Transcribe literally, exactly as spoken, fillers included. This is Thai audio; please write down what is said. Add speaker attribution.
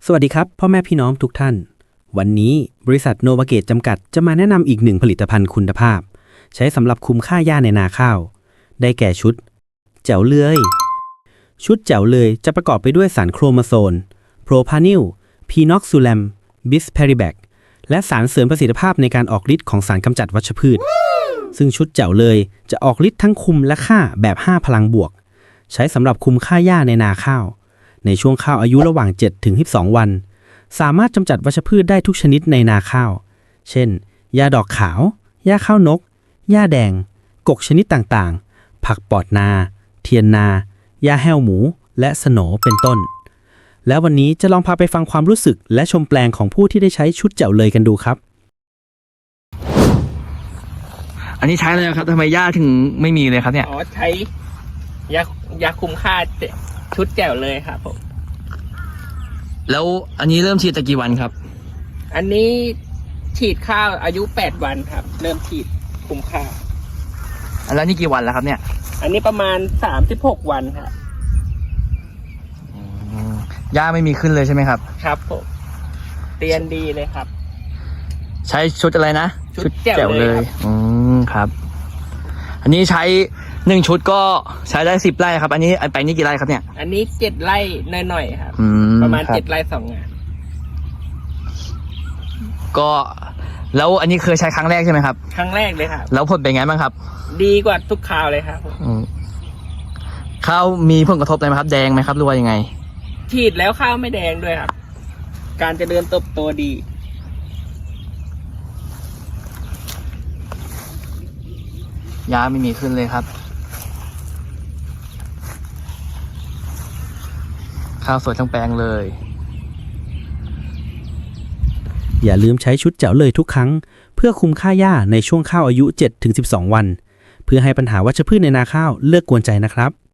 Speaker 1: สวัสดีครับพ่อแม่พี่น้องทุกท่านวันนี้บริษัทโนวาเกตจำกัดจะมาแนะนำอีกหนึ่งผลิตภัณฑ์คุณภาพใช้สำหรับคุมค่าหญ้าในนาข้าวได้แก่ชุดแจ๋วเลยชุดแจ๋วเลยจะประกอบไปด้วยสารโครโมโซนโพรพานิลพีน็อกซูแลมบิสเพริแบคและสารเสริมประสิทธิภาพในการออกฤทธิ์ของสารกำจัดวัชพืชซึ่งชุดแจ๋วเลยจะออกฤทธิ์ทั้งคุมและฆ่าแบบห้าพลังบวกใช้สำหรับคุมค่าหญ้าในนาข้าวในช่วงข้าวอายุระหว่าง เจ็ดถึงสิบสอง วันสามารถกำจัดวัชพืชได้ทุกชนิดในนาข้าวเช่นหญ้าดอกขาวหญ้าข้าวนกหญ้าแดงกกชนิดต่างๆผักปอดนาเทียนนาหญ้าแห้วหมูและสโหนเป็นต้นแล้ววันนี้จะลองพาไปฟังความรู้สึกและชมแปลงของผู้ที่ได้ใช้ชุดแจ๋วเลยกันดูครับ
Speaker 2: อันนี้ใช้เลยครับทำไมหญ้าถึงไม่มีเลยครับเนี่ย
Speaker 3: อ๋อใช้ยายาคุมค่าชุดแจ๋วเลยครับผม
Speaker 2: แล้วอันนี้เริ่มฉีดตะกี่วันครับ
Speaker 3: อันนี้ฉีดข้าวอายุแปดวันครับเริ่มฉีดคุมค่า
Speaker 2: แล้วนี่กี่วันแล้วครับเนี่ย
Speaker 3: อันนี้ประมาณสามสิบหกวันครับ
Speaker 2: หญ้าไม่มีขึ้นเลยใช่ไหมครับ
Speaker 3: ครับผมเตียนดีเลยครับ
Speaker 2: ใช้ชุดอะไรนะ
Speaker 3: ชุดแจ๋วเลย
Speaker 2: อืมครับอันนี้ใช้หนึ่งชุดก็ใช้ได้สิบไร่ครับอันนี้ไอ้แปลงนี้กี่ไร่ครับเนี่ย
Speaker 3: อันนี้เจ็ดไร่หน่อยๆครับประมาณเจ็ดไร่สองงาน
Speaker 2: ก็แล้วอันนี้เคยใช้ครั้งแรกใช่ไหมครับ
Speaker 3: ครั้งแรกเลยครับ
Speaker 2: แล้วผลเป็นไงบ้างครับ
Speaker 3: ดีกว่าทุกคราวเลยครับ
Speaker 2: ข้าวมีผลกระทบอะไรไหมครับแดงไหมครับหรือว่ายังไง
Speaker 3: ฉีดแล้วข้าวไม่แดงด้วยครับการเจริญเติบโตดี
Speaker 2: หญ้าไม่มีขึ้นเลยครับข้าวสวยทั้งแปลงเลย
Speaker 1: อย่าลืมใช้ชุดแจ๋วเลยทุกครั้งเพื่อคุมค่าหญ้าในช่วงข้าวอายุ เจ็ดถึงสิบสอง วันเพื่อให้ปัญหาวัชพืชในนาข้าวเลิกกวนใจนะครับ